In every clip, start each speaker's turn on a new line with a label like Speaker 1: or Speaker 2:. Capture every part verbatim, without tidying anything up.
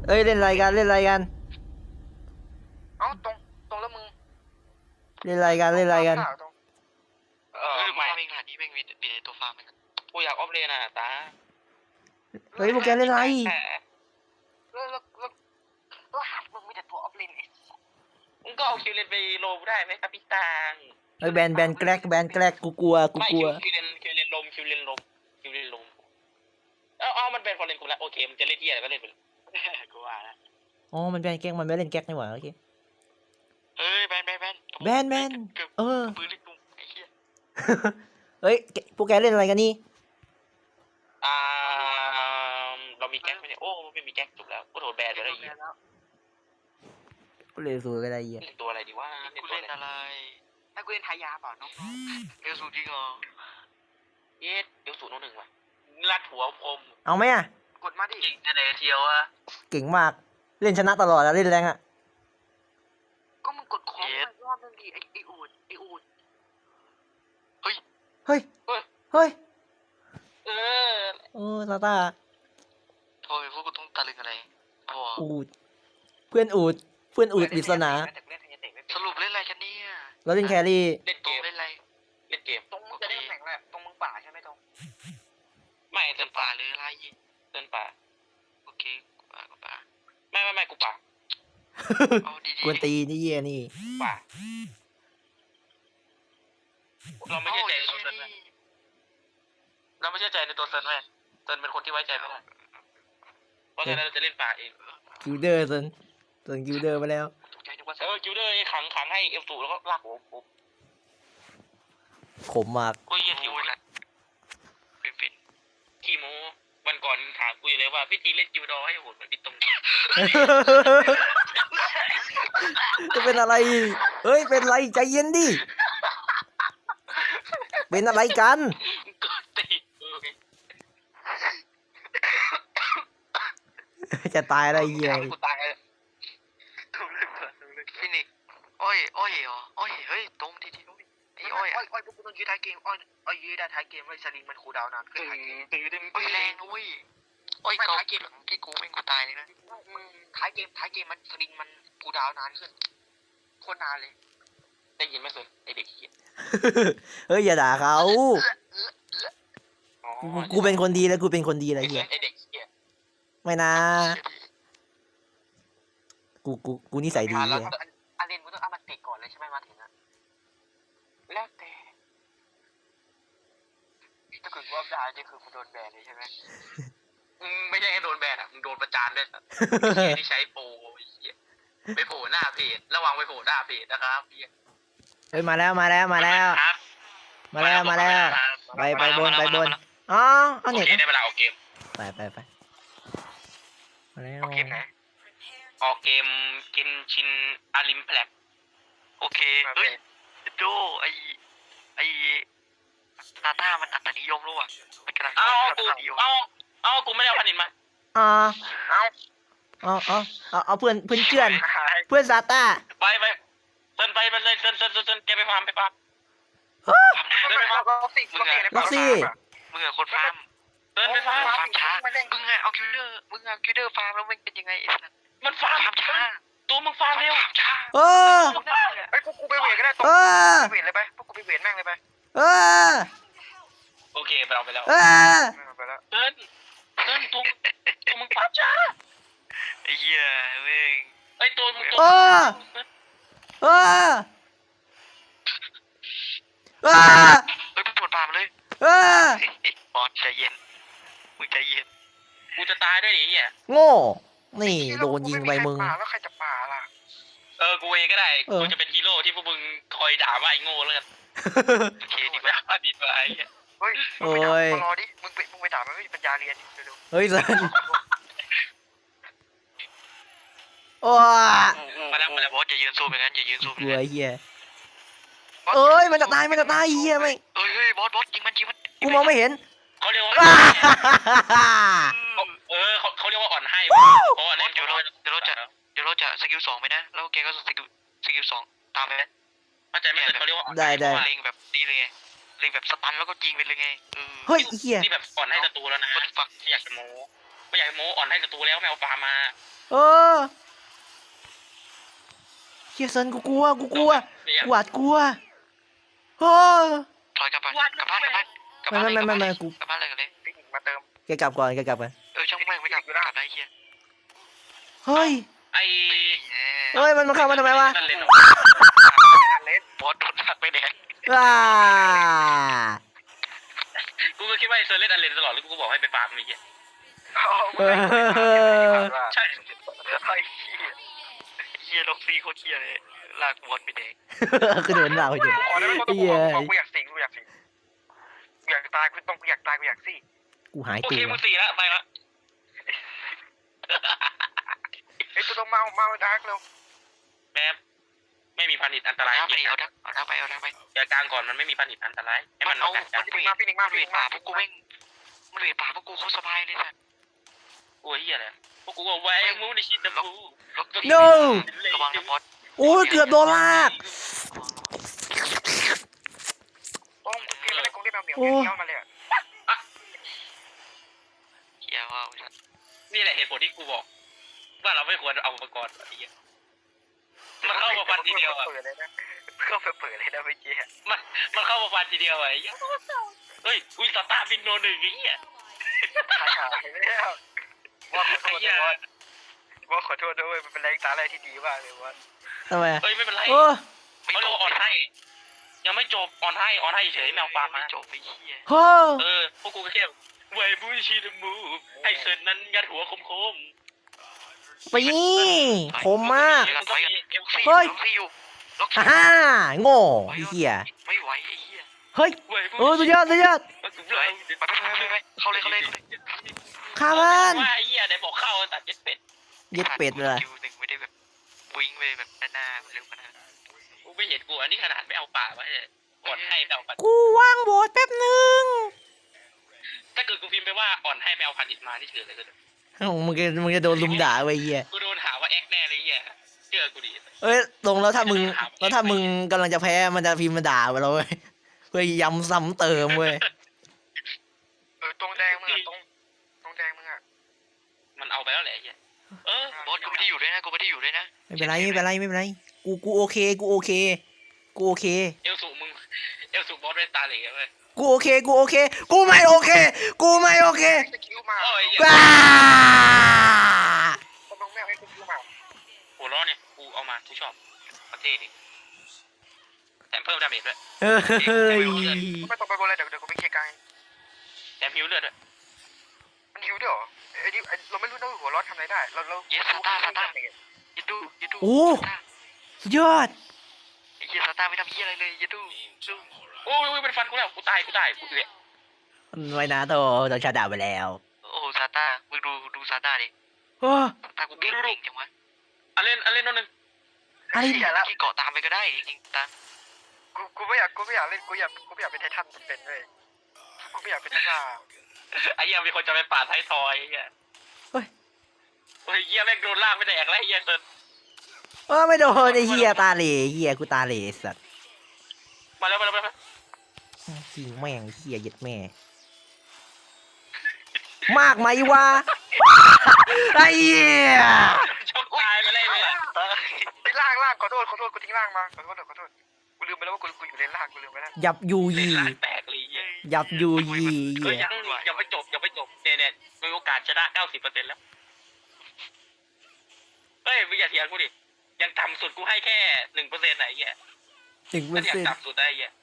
Speaker 1: เอ้ยเล่นอะไรกันเล่นอะไรกัน
Speaker 2: เอ้าตรงตรงแล้วมึง
Speaker 1: เล่นอะไรกันเล่นอะไรกัน
Speaker 2: ตรง
Speaker 3: เออไม่เองหาที่แม่งมีมีตัวฟาร์มมันกูอยากออฟเลนอ่ะตา
Speaker 1: เฮ้ยพวกแกเล่นอะไร
Speaker 2: แล้วแล้วแล้วแล้วหามึงมีแต่ตัวออฟเลนไอ้
Speaker 3: มึงก็เอาคิวเลนไปโลได้ไหมครับพี่ตัง
Speaker 1: เฮ้ยแบนแบนแกลกแบนแกลกกูกลัวกู
Speaker 3: ไม่
Speaker 1: กลั
Speaker 3: คิ
Speaker 1: ว
Speaker 3: วคิวเลนคิวเลนลมคิวเลนลมคิวเลนลมเอ้าเอามันเป็นฟอร์เรนกูแล้วโอเคมันจะเล่นที่อะไรก็เล่นไปเลยกูว่าแล้ว
Speaker 1: อ๋อมันแบนแกลกมันไม่เล่นแกลกนี่หว่าโอเค
Speaker 3: เอ้ยแบนแบนแบน
Speaker 1: แบนแบนเออ
Speaker 3: ปืนเล็กตุ้มไอ้เหี้ย
Speaker 1: เฮ้ยพวกแกเล่นอะไรกันนี่
Speaker 3: อ่าเรามีแก๊กไหมเนี่ยโอ้ไม่มีแก๊กจบแล้วกูโดนแบนไปแล้วไอ้เหี้ย
Speaker 1: กูเล่นสูกันอะไรเหี้ย
Speaker 3: เล่นตัวอะไรดีวะเล่นตัวอะไร
Speaker 2: ถ้ากูเล่นทายาเปล่าน้อง
Speaker 3: เอลสูจริงเหรอเย็ดเอลสูโนหนึ่งว่ะลัดหัวคม
Speaker 1: เอาไหมอ่ะ
Speaker 2: กดมาดิ
Speaker 3: เก่งจะไหนเทียวอะ
Speaker 1: เก่งมากเล่นชนะตลอดอะเล่นแรงอะ
Speaker 2: ก็มึงกดคอมมันรอบนึงดิไอ้ไอ้อูดไอ้อูด
Speaker 1: เฮ้ยเฮ้ยเฮ้ย
Speaker 3: เออ
Speaker 1: โอ้ซาต้า
Speaker 3: โทรไปพวกกูต้องตะลึงอะไรโอ้
Speaker 1: อูดเพื่อนอูดเพื่อนอูดปริศนา
Speaker 3: สรุปเล่นอะไรกันเนี่ย
Speaker 1: เราเล่นแครี่
Speaker 3: เล่นเกมเล่นอะไรเล่นเกม
Speaker 2: ตรงมึงจะได้แข่งแหละตรงมึงป่าใช่ไหมตรง
Speaker 3: ไม่เดินป่าเลยอะไรเดินป่าโอเคกูป่ากูป่าไม่ไม่ไม่กูป่าเอาดี
Speaker 1: กวนตีนี่เยี่ยนี่
Speaker 3: ๆป่าเราไม่เชื่อใจในตัวเซินไหมเราไม่เชื่อใจในตัวเซินไหมเซินเป็นคนที่ไว้ใจไม่ได้เพราะฉะนั้นเราจะเล่นป่าเอง
Speaker 1: กิลเดอร์ส่วนส่วนกิลเดอร์ไปแล้ว
Speaker 3: ตกใจนึกว่าเออคิวเดอร์ขังขังให้เอฟสูแล้วก็ลากหัวผม
Speaker 1: ขมมาก
Speaker 3: ก็เยี่ยทิวนะเป็นเป็นขี้โมวันก่อนถามกูอยู่เลยว่าพี่ทีเล่นจิวดอให้โหดเหมือนพี่ตรง
Speaker 1: จะเป็นอะไรเฮ้ยเป็นอะไรใจเย็นดิเป็นอะไรกัน
Speaker 3: ก็ตี
Speaker 1: จะตายอะไรเหี้ย
Speaker 3: กูตายเลยถูกเลยถูกเลยฟินิกอ้อยอ้อยเหรออ้อยเฮ้ยตรงทีทีไอ้อ้อย
Speaker 2: อ้อยอ้อยพวกกูต้องยืดท้ายเกมอ้อยอ้อยยืดได้ท้ายเกมเลยสลิงมันคูลดาวน์นานขึ้น
Speaker 3: ตื่น
Speaker 2: ท้ายเกม
Speaker 3: ตื่นตื่นอ้อยแรงนะเว้ยอ้อยเกาเกมที่กูแม่งกูตายเลยนะ
Speaker 2: มึงท้ายเกมท้ายเกมมันสลิงมันคูลดาวน์นานขึ้นโคตรนานเลย
Speaker 3: ได้ยินไหมเซินไอเด็กเหี้ย
Speaker 1: เฮ้ยอย่าด่าเขากูกูเป็นคนดีแล้วกูเป็นคนดีอะไร
Speaker 3: ไอเซิ
Speaker 1: เหี้ย
Speaker 3: นไอเด็กเหี้ย
Speaker 1: ไม่นะกูกูกูนิสัยดี
Speaker 2: แล้ว
Speaker 1: เหี้ย
Speaker 2: อาเรนมึงต้องเอามันติก่อนเลยใช่ไหมมาถึงอะ
Speaker 3: แล้วแต่
Speaker 2: ถ้าเกิดว่าได้นี่คือกูโดนแบนเลยใช่ไหม
Speaker 3: มึงไม่ใช่แค่โดนแบนอ่ะมึงโดนประจานด้วยเหี้ยที่ใช้โปรเหี้ยไปโผล่หน้าเพจระวังไปโผล่หน้าเพจนะครับเหี้ย
Speaker 1: เฮ้ยมาแล้วมาแล้วมาแล้ว
Speaker 3: ครับ
Speaker 1: มาแล้วมาแล้วไปไปบนไปบนอ๋อเอา
Speaker 3: โอ
Speaker 1: เน็ต
Speaker 3: เคได้เวลาออกเกม
Speaker 1: ไปไปไปมาแล้ว
Speaker 3: ออกเกมไหนออกเกมกินชินอาริมแพลกโอเคเฮ้ยโจไอไอนาต้ามันอัตนิยมรู้อ่ะมันกำลังเอากูเอาเอากูไม่ได้เอาพันนินมา
Speaker 1: อ๋อ
Speaker 2: เอา
Speaker 1: เอาเอาเอาเอาเพื่อนเพื่อนเพื่อนเพื่อนซาต้า
Speaker 3: ไปไปเซินไปมันเลยเซินเซินเซินแกไปฟาร์มไปฟาร์ม
Speaker 2: เดินไปฟาร์มล็อกซี่ล็อกซี่
Speaker 3: มึงอะคนฟาร์มเดินไปฟาร์มฟาร์มช้ามึงอะเอาคิวเดอร์มึงเอาคิวเดอร์ฟาร์มแล้วมันเป็นยังไงไอ้สัสมันฟาร์มช้าตัวมึงฟาร์มเร็วช้า
Speaker 1: เออ
Speaker 2: ไอ้พวกกูไปเวทก็ได้ตรง
Speaker 1: เออ
Speaker 2: ไปเวทเลยไปพวกกูไปเวทแม่งเลยไป
Speaker 1: เออ
Speaker 3: โอเคไปเอาไปแล้ว
Speaker 1: เออ
Speaker 2: ไปแล้ว
Speaker 3: เดินเดินตัวตัวมึงฟาร์มช้าไอ้เหี้ยเว้ยไอ้ตัวมึงตัว
Speaker 1: เออเออเออ
Speaker 3: เฮ้ยมึงปวดฟาร์มเลย
Speaker 1: เออบ
Speaker 3: อสใจเย็นมึงใจเย็นกูจะตายด้วยดิเหี้ย
Speaker 1: โง่นี่โดนยิงไปมึง
Speaker 2: แล้วใครจะป่าล่ะ
Speaker 3: เออ กูเองก็ได้
Speaker 1: เออ
Speaker 3: กูจะเป็นฮีโร่ที่พวกมึงคอยด่าว่าไอ้โง่แล้วกันโอเคดีกว่าดีกว่าไอ้เหี้ย
Speaker 2: เฮ้ยมึงไปด่ามารอดิมึงไปมึงไปด่ามันไม่มีปัญญาเรียนเร็ว
Speaker 1: เฮ้ยสันโอ้ย
Speaker 3: มาแล้วมาแล้วบอสอย่ายืนซูมอย่างนั้นอย่ายืนซูม
Speaker 1: กลัวไอ้เหี้ยเอ้ยมันจะตายมันจะตายไอ้เหี้ยไม่
Speaker 3: เอ้ยเฮ้ยบอสบอสยิงมันยิงมัน
Speaker 1: กูมองไม่เห็น
Speaker 3: เขาเรียกว่าเออเขาเขาเรียกว่าอ่อนให้เพราะว่าเล่นเดี๋ยวเราเดี๋ยวเราจะเดี๋ยวเราจะสกิลสองไปนะแล้วแกก็สกิลสกิลสองตามไปไหมเข้าใจไหมเขาเรียกว่าเล็งแบบนี้เลยไงเล็งแบบสตันแล้วก็ยิงไปเลยไง
Speaker 1: เฮ้ยไอ้เหี้ย
Speaker 3: นี่แบบอ่อนให้ศัตรูแล้วนะไม่อยากจะโม้ไม่อยากโม้อ่อนให้ศัตรูแล้วไม่เอาฟาร์มา
Speaker 1: เออเฮียเซินกูกลัวกูกลัวกูหวาดกลัวเฮ้ย
Speaker 3: ถอยกลับบ้านกลับบ้านกลับบ้านกลับบ้าน
Speaker 1: ไม่ไม่ไม่ไม่กู
Speaker 3: กลับบ้านเลยกันเลย
Speaker 2: ติ๊กมาเติม
Speaker 1: แกกลับก่อนแกกลับก่อน
Speaker 3: เออช่างแม่งไม่กลับกลับได้เฮีย
Speaker 1: เฮ้ย
Speaker 4: ไอ้
Speaker 1: เฮ้ยมันมาเข้ามาทำไมวะ
Speaker 4: นั่นเล่น
Speaker 2: ไม่ทันเล่น
Speaker 3: บอสโดนทักไปแดง
Speaker 1: ว้า
Speaker 4: กูก็คิดว่าไอ้เซอร์เล่นอันเลนตลอดแล้วกูก็บอกให้ไปฟาร์มไอ้เหี้ย
Speaker 1: เออ
Speaker 4: ใช่
Speaker 3: ไอ้เฮียเฮียล็อกซี่โคตรเฮียเลยลากบอสไปแดง
Speaker 1: คือโดนหน้าไปเจอ
Speaker 2: ขอได้ไหมกูต้องขอกูอยากสิงกูอยากสิงกูอยากตายกูต้องกูอยากตายกูอยากสิ
Speaker 1: กูหาย
Speaker 4: โอ
Speaker 1: ตั
Speaker 4: เคว มึงสี่แล้วไปละ
Speaker 2: ไอ้ตัวต้องมามาดาร์กเร็ว
Speaker 4: แบบไม่มีพันธุ์อันตราย
Speaker 3: เอาไปเอาทักเอาทักไปเอาทักไป
Speaker 4: อย่ากลางก่อนมันไม่มีพันธุ์อันตรายให้
Speaker 3: มั
Speaker 4: มัน น
Speaker 3: เอา
Speaker 4: กัดกั
Speaker 3: มัน นเวท
Speaker 2: มาพี่นิกมา
Speaker 3: มันเว
Speaker 2: พี่นิ
Speaker 3: ท
Speaker 2: ก
Speaker 3: ป่า
Speaker 2: มา
Speaker 3: พวกกูแม่งมันเวทป่าพวกกูเขาสบายเลยสัส
Speaker 4: โอ้ยเหี้ยอะไรพวกกูก็แหวงมูในชิดนะกู
Speaker 3: ล็อกซี่
Speaker 1: โน้
Speaker 3: ระวังนะบอส
Speaker 1: โอ้ยเกือบโดนลาก
Speaker 2: ต้องพี่ไม่ได้กงได้แมวเหมียวเงี้ยวมาเลยอ่ะ
Speaker 3: เฮียว่า
Speaker 4: นี่แหละเหตุผลที่กูบอกว่าเราไม่ควรเอาอุปกรณ์ไอ้เหี้ยมันเข้ามาฟันทีเดียวอ่ะ
Speaker 2: เปิดเลยนะเข้าไปเปิดเลยนะเมื่อกี้
Speaker 4: มันมันเข้ามาฟันทีเดียวอ่ะไอ้เหี้ยเฮ้ยอุ้ยสตาร์บินโนหนึ่งไอ้เหี้ย
Speaker 2: หายหายไปแล้วว่าขอโท
Speaker 4: ไอ้
Speaker 2: ษ
Speaker 4: เหี้ย
Speaker 2: ด้วยว่าขอโทษด้วยมันเป็นแรงตาอะไรที่ดีมากเลยว่า
Speaker 1: ทำไม
Speaker 4: เฮ้ยไม่เป็นไร
Speaker 1: โอ้
Speaker 4: เขาเรียกว่าอ่อนให้ ยังไม่จบอ่อนให้อ่อนให้เฉยแมวฟาร์มมา
Speaker 3: จบไปเฮีย
Speaker 1: โฮ้
Speaker 4: เออพวกกูก็แค่ไวบูชิดมูให้เซินนั้นยัดหัวคมคม
Speaker 1: ไปนี่คมมาก
Speaker 3: ล็อกซี่
Speaker 1: เฮ้ย
Speaker 3: ล็อกซี่อยู่ล็อก
Speaker 1: ฮ่า
Speaker 3: ซี่
Speaker 1: ฮ่าโง่ไอ้เหี้ย
Speaker 3: ไม่ไหวไอ้เฮีย
Speaker 1: เฮ้ยเออสุดยอดสุดยอด
Speaker 3: ไปไปไปไปเข้าเลยเข้าเลย
Speaker 1: ข้ามัน
Speaker 4: ว่าไอ้เหี้ยไหนบอกเข้าตัดเจ็ดเป็ด
Speaker 1: เย็ดเป็ดเลย
Speaker 3: คิวหนึ่งไม่ได้แบบวิ่งไปแบบหน้าเร็วขนาด
Speaker 4: กูไม่เห็นกูอันนี้ขนาดไม่เอาป่าไว้อ่อนให้ไม่เอาพัน
Speaker 1: กูว่างโบสแป๊บนึง
Speaker 4: ถ้าเกิดกูพิมพ์ไปว่าอ่อนให้ไม่เอาพันอิดมาที่เฉยเลย
Speaker 1: เอ้ามึงจะมึงจะโดนลุมด่าไว้เหี้ย
Speaker 4: กูโดนหาว่าแอ็กแน่เลยเหี้ยเชื่อกูดิ
Speaker 1: เอ้ยลงแล้วถ้ามึงแล้วถ้ามึงกำลังจะแพ้มันจะพิมพ์มาด่าเราเว้ยเพื่อย้ำซ้ำเติมเว้ย
Speaker 2: เออตรงแดงมึงอ่ะตรงตรงแดงมึงอ่ะ
Speaker 4: มันเอาไปแล้วแหละไอ้เหี้ยเออบ
Speaker 3: อสกูไม่ได้อยู่ด้วยนะกูไม่ได้อยู่ด้วยนะ
Speaker 1: ไม่เป็นไรไม่เป็นไรไม่เป็นไรกูกูโอเคกูโอเคกูโอเค
Speaker 4: เอลสูมึงเอลสูบอสเป็นตาเหล่เลย
Speaker 1: กูโอเคกูโอเคกูไม่โอเคกูไม่โอเค
Speaker 2: สกิลมา
Speaker 4: โอ้ย
Speaker 1: ว้า
Speaker 2: ตรงแมวไอ้สกิลมา
Speaker 4: หัวล้อเนี่ยกูเอามากูชอบประเทศดิแถมเพิ่มดาเมจด้วย
Speaker 1: เฮ้ย
Speaker 2: ไม่ต้องไปบนเลยเดี๋ยวเดี๋ยวกูไปเคลียร์กลาง
Speaker 4: แถมฮิวเลือดด้วย
Speaker 2: มันหิวด้วยเหรอไอ้นี่เราไม่รู้นะหัวร้อนทำอะไรได้เราเรา
Speaker 3: เยสซาต้าซาต้ายัดดูยัดดู
Speaker 1: โอ้สุดยอด
Speaker 3: ไอ้เฮียซาต้าไม่ทำเฮียอะไรเลยยัดดูดู
Speaker 4: โอ้ยเป็นฟันกูแล้วกูตายกูตายกูเดือด
Speaker 1: ไว้นะโตโดนชาด่าไปแล้ว
Speaker 3: โอ้ซาต้ามึงดูดูซาต้าดิ
Speaker 1: โอ้
Speaker 3: ซาต้ากูเก่งจริงจังวะ
Speaker 4: อันเล่นอันเล่นโน่นนึง
Speaker 1: อะไร
Speaker 2: เสียแล้ว
Speaker 3: ที่เกาะตามไปก็ได้จริงๆตาม
Speaker 2: กูกูไม่อยากกูไม่อยากเล่นกูอยากกูไม่อยากเป็นไททันเป็นเลยกูไม่อยากเป็นนักล่า
Speaker 4: ไอ้เหี้ยมีคนจะไปป่าดไทยทอยไอ้เหี้ย
Speaker 1: เฮ้ย
Speaker 4: โอ้ยเหี้ยแม่งโดนลากไปแดกแล้วไอ้เหี้ยเซิน
Speaker 1: เออไม่โดนไอ้เหี้ยตาเหล่เหี้ยกูตาเหล่สัตว์
Speaker 4: มาแล้วมาแล้วมาแล้ว
Speaker 1: จริงแม่งเหี้ยเย็ดแม่ มากไหมวะไอ้เหี้ย
Speaker 4: ชกตายไปเลยเนี่ย
Speaker 2: ไอ้ล่างล่างขอโทษขอโทษกูทิ้งล่างมาขอโทษขอโทษกูลืมไปแล้วว่ากูกูอยู่เลนล่างกูลืมไปแล้ว
Speaker 1: ยับยู
Speaker 4: เล่น
Speaker 1: ยี
Speaker 4: ลากแตกเลยเหี้ย
Speaker 1: ยับยูยี
Speaker 4: เฮ้ย
Speaker 1: เหี้ย
Speaker 4: ยังยังไม่จบยังไม่จบเนี่ยเนี่ยมีโอกาสชนะ เก้าสิบเปอร์เซ็นต์ แล้วเฮ้ยมึงอย่าเถียงกูดิยังต่ำสุดกูให้แค่ หนึ่งเปอร์เซ็นต์ ไหนเหี้ย
Speaker 1: ถึงเปอ
Speaker 4: ไม่
Speaker 1: ร์
Speaker 4: อยาก
Speaker 1: เซ็นต์
Speaker 4: ต่ำสุดได้เหี้ย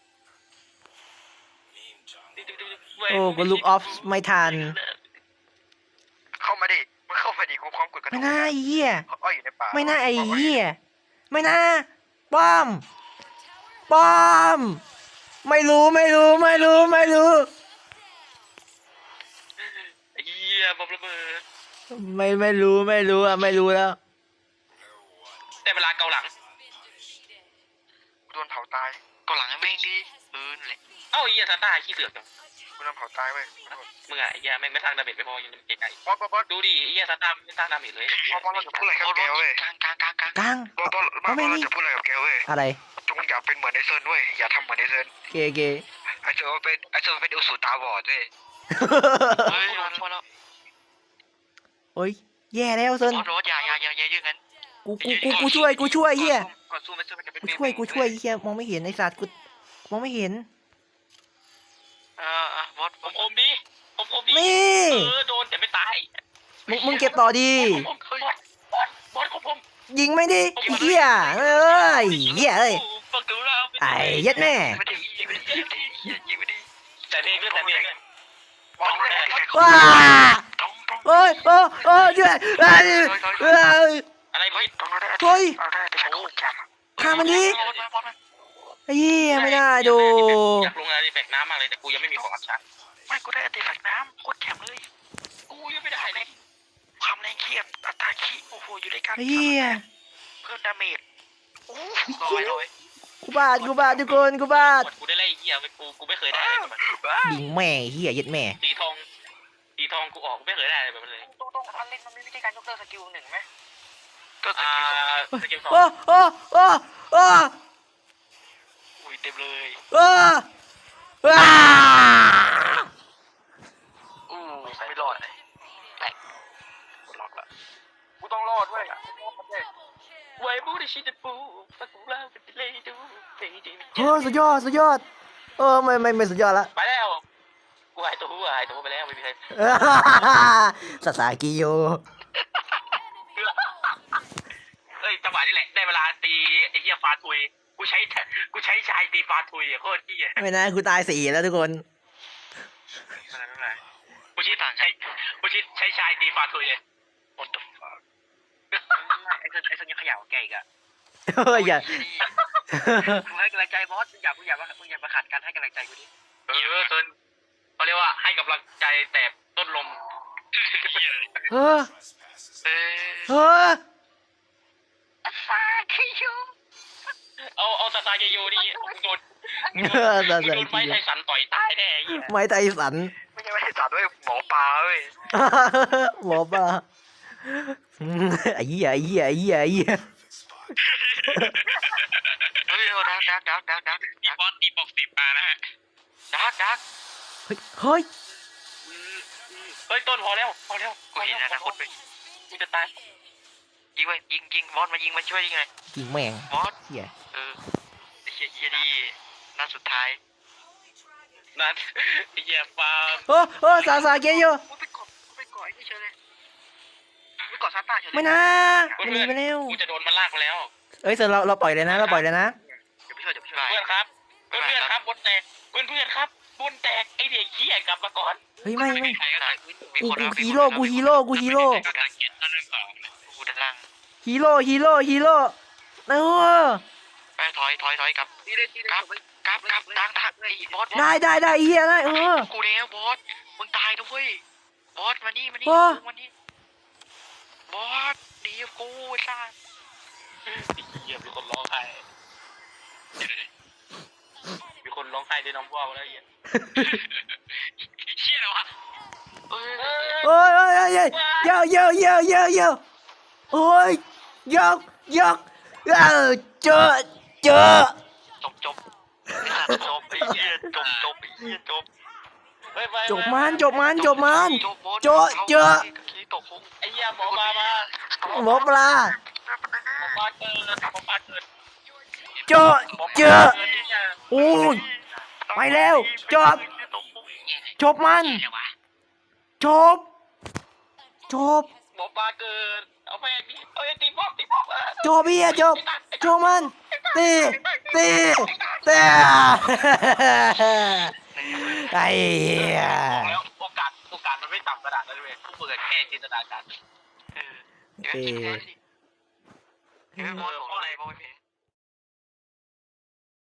Speaker 1: โอ้กูลุกออฟไม่ทัน
Speaker 2: เข้ามาดิมึงเข้ามาดิกูพร้อมกดกระ
Speaker 1: ไม่น่าไอ้เหี้ย
Speaker 2: อ้อยอยู่ในป่า
Speaker 1: ไม่น่าไอ้เหี้ยไม่น่าป้อมป้อม ไม่รู้ไม่รู้ไม่รู้ไม่รู้
Speaker 4: ไอ้เหี้ยบอมระเบิด
Speaker 1: ไม่ไม่รู้ไม่รู้อะไม่รู้แล้ว
Speaker 4: ได้เวลาเกาหลัง
Speaker 2: กูโดนเผาตาย
Speaker 3: ก็หลังให้แม่งดีเออนั่นแหละ
Speaker 4: เอ้าไอ้เหี้ยซาต้าขี้เสือกจัง
Speaker 2: กูโดนเผาตายเว้ย
Speaker 4: มึงอะไอ้เหี้ยแม่งไม่สร้างดาเมจไปพอยังไกล
Speaker 2: บอสบอสบอส
Speaker 4: ๆดูดิไอ้เหี้ยซาต้าไม่สร้างดาเมจเลย
Speaker 2: บอสบอสเราจะพูดอะไรกับแกเว้ย
Speaker 3: กลางกลางกลางกลาง
Speaker 1: กลาง
Speaker 2: บอสบอสบอสเราจะพูดอะไรกับแกเว้ย
Speaker 1: อะไร
Speaker 2: จงอย่าเป็นเหมือนไอเซิร์นเว้ยอย่าทำเหมือนไอเซิร์น
Speaker 1: เกเก
Speaker 2: ไอเซิร์นเป็นไอเซิร์นเป็นอุสุตาบอดเว้ย
Speaker 3: เฮ้ยมาแล้วมาแล้ว
Speaker 1: โอ้ยแย่แล้วเซิน
Speaker 3: บอสบอสอย่าอย่าอย่าอย่าอย่างนั้น
Speaker 1: กูกูกูกูช่วยกูช่วยเฮีย
Speaker 2: ก่อนสู้ไม่สู้มันจะเป็น
Speaker 1: กูช่วยกูช่วยเฮียมองไม่เห็นไอ้สัตว์กูมองไม่เห็น
Speaker 3: เออเออบอส
Speaker 4: ผมผมดีผมผมดี
Speaker 1: นี่
Speaker 4: เออโดนแต่ไม่ตาย
Speaker 1: มึงมึงเก็บต่อดี
Speaker 4: ผมผมบอสบอสบอสของผม
Speaker 1: ยิงไม่ดิไอ้เฮียเอ้ยเฮียเอ้ย
Speaker 4: ฟังดูแล้ว
Speaker 1: ไอ้เย็ดแม่
Speaker 3: ไม่ได้ยิงไม่ได้ยิงไม่ได้ยิงไม่ได้
Speaker 4: แต่เพลงด้วยแต่เพลงด้วย
Speaker 2: บอส
Speaker 1: ว้า
Speaker 3: ต้องต้อง
Speaker 1: โอ้ยโอ้ยโอ้ยช่วยเอ้ยเอ้ย
Speaker 4: อะไรพี่
Speaker 3: ต้องได้
Speaker 1: เฮ้ย
Speaker 3: เอาได้แต่ฉันโคตรแจ่ม
Speaker 1: ฆ่ามันดิ
Speaker 3: บอสบอส
Speaker 1: ไอ้เหี้ยไม่ได้ดู
Speaker 4: อยากลงอะไรแบกน้ำมากเลยแต่กูยังไม่มีของอัพชัน
Speaker 3: ไม่กูได้อัติฝักน้ำโคตรแจ่มเลย
Speaker 4: กูยังไม่ได้เลย
Speaker 3: ความแรงเขียบอัตราขี้โอ้โหอยู่ด้วยกัน
Speaker 1: ไอ้เหี้ย
Speaker 3: เพิ่มดาเมจโอ้ลอยลอย
Speaker 1: กูบาดกูบาดทุกคนกูบาด
Speaker 4: กูได้ไล่เหี้ยไปกูกูไม่เคยได้เลยแบบ
Speaker 1: ยิงแม่เหี้ยเย็ดแม่
Speaker 4: สีทองสีทองกูออกกูไม่เคยได้เลยแบบนั้นเลย
Speaker 3: ต้องต้องอันเล่นมันมีวิธีการยกเลิกสกิลหนึ่งไหมก็ส
Speaker 4: อ่า
Speaker 3: กิลสอง
Speaker 4: สกิลสอง
Speaker 1: โอ้โอ้โอ้โอ้
Speaker 3: อุ้ยเต็มเลย
Speaker 1: โอ้ว้า
Speaker 3: อู้ไม่รอดเลยแตกกดล็อกละ
Speaker 2: กูต้องรอดด้วย
Speaker 4: ไว้บูดิชิดปูฟักกูเล่าเป็นเลยดูเฟย์ดี
Speaker 1: โอ้สุดยอดสุดยอดเออไม่ไม่ไม่สุดยอดละ
Speaker 4: ไปแล้วกูหายตัวหายตัวไปแล้วไม่มีใคร
Speaker 1: สาสากิโย
Speaker 4: เอ้ยจังหวะนี้แหละได้เวลาตีไอ้เหี้ยฟาทุยกูใช้กูใช้ชายตีฟาทุยโคตรเหี้ย
Speaker 1: ไม่นะกูตายสี่แล้วทุกคน
Speaker 3: ไม่เป็นไรไม่เป็นไร
Speaker 4: กูชิดใช้กูชิดใช้ชายตีฟาทุยเลย
Speaker 3: What the fuck ไอ้เซนไอ้เซนยังขยับแกอีกอะ
Speaker 1: เฮ้ยอย่า
Speaker 3: มึงให้กำลังใจบอสมึงอย่ามึงอย่ามามึงอย่ามาขัดกันให้กำลังใจกูดิ
Speaker 4: เออเซินเขาเรียกว่าให้กำลังใจแต่ต้นลม
Speaker 1: เออ
Speaker 3: เออ
Speaker 1: เออ
Speaker 3: ฟาคิยู
Speaker 4: เอาเอาซาซาเกโยดิมึงโดน
Speaker 1: เออสา
Speaker 4: มึง
Speaker 1: สา
Speaker 4: โดน
Speaker 1: กิ
Speaker 4: ไม้
Speaker 1: โย
Speaker 4: ไทสันต่อยตายแน่ไอ้เหี้ย
Speaker 1: ไม้ไตสัน
Speaker 3: ไม่ใช่ไม่ใช่จัดด้วยหมอปลาเว้ย
Speaker 1: หมอปลาอืมไอ้เหี้ยไอ้เหี้ยไอ้เหี้ยไอ้เหี้ย
Speaker 3: เฮ้ยดักดักดักดักดัก
Speaker 4: มีบอสตีบอกสิบมานะฮะ
Speaker 3: ดักดัก
Speaker 1: เฮ้ยเฮ้ย
Speaker 4: เฮ้ยต้นพอแล้วพอแล้ว
Speaker 3: กูเห็นอนาคตไป
Speaker 4: กูจะตาย
Speaker 3: ยิงไปยิงยิงบอสมายิงมาช่วยยิงไง
Speaker 1: ยิงแม่ง
Speaker 3: บอส
Speaker 1: เหี้ย
Speaker 3: เออไอ้เหี้ยเหี้ยดีนัดสุดท้าย
Speaker 4: นั่นไอ้เหี้ยฟาร์ม
Speaker 1: โอ้โอ้สาสาเกโย
Speaker 3: กูไปกดกูไปกดไอ้นี่เฉยเลยไปกดซาต้าเฉยเลย
Speaker 1: ไม่นะมันหนีไปแล้ว
Speaker 4: กูจะโดนมันลากไปแล้ว
Speaker 1: เอ้ยเสร็จเราเราปล่อยเลยนะเราปล่อยเลยนะ
Speaker 3: เดี๋ยวไปช่วยเดี๋ยวไปช่วย
Speaker 4: เพื่อนครับเพื่อนเพื่อนครับบนแตกเพื่อนเพื่อนครับบนแตกไอเด็กขี้กลับมาก่อน
Speaker 1: เฮ้ยไม่ไม่
Speaker 3: ใครก็ได้มี
Speaker 1: กู
Speaker 3: คน
Speaker 1: กู
Speaker 3: แล้วมี
Speaker 1: ฮี
Speaker 3: คน
Speaker 1: โร่
Speaker 3: แล้ว
Speaker 1: กูฮีโร่กูฮีโร่
Speaker 4: กำลังเก็ตตอนเรื่องสอง
Speaker 3: กูด้านล่าง
Speaker 1: ฮีโร่ฮีโร่ฮีโร่เออ
Speaker 3: ไปถอยถอยถอยกลับกลับกลับกลับดังดังไอ้บอส
Speaker 1: ได้ได้ได้เฮียได้เออ
Speaker 3: กูแล้วบอสมึงตายด้วยบอสมานี่มานี่
Speaker 1: โอ้
Speaker 3: มานี่บอสดีกับกูไอ้ซ่า
Speaker 4: เหี้ยมีคนร้องไห้มีคนร้องไห้ด้วยน้ำว่าวแล้วเหี้ยเชี่ยแล้วอะ
Speaker 3: เอ้ย
Speaker 1: โอ้ยโอ้ยโอ้ยโอ้ยเยอะเยอะเยอะเยอะเยอะโอ้ยยกยกเออเจอเจอ
Speaker 3: จบจบจบไอ้เหี้ยจบจบไอ้เหี้ยจบ
Speaker 1: จบมันจบมันจบมัน
Speaker 3: จบบอส
Speaker 1: โจ๊ะเจ๊ะ
Speaker 3: ขี้ตกคง
Speaker 4: ไอ้เหี้ยหมอปลามา
Speaker 1: หมอปลา
Speaker 4: หมอปลาเกิดหมอปลาเกิด
Speaker 1: เจอเจอโอ้ยไปแล้วจบจบมันจบจบ
Speaker 4: หมอปลาเกิดเอาไปดิเอาไอ้ตีบอสตีบอส
Speaker 1: จบพี่จบจบมันตีตีตีไอ้เหี้ย
Speaker 4: แล้วโอกาสโอกาสมันไม่ต่ำขนาดนั้นเลยผู้เปิดแค่จินตนาการ
Speaker 3: เออเดี๋ยวเดี๋ยวเดี๋ยวบอสบอกอะไรบอสไม่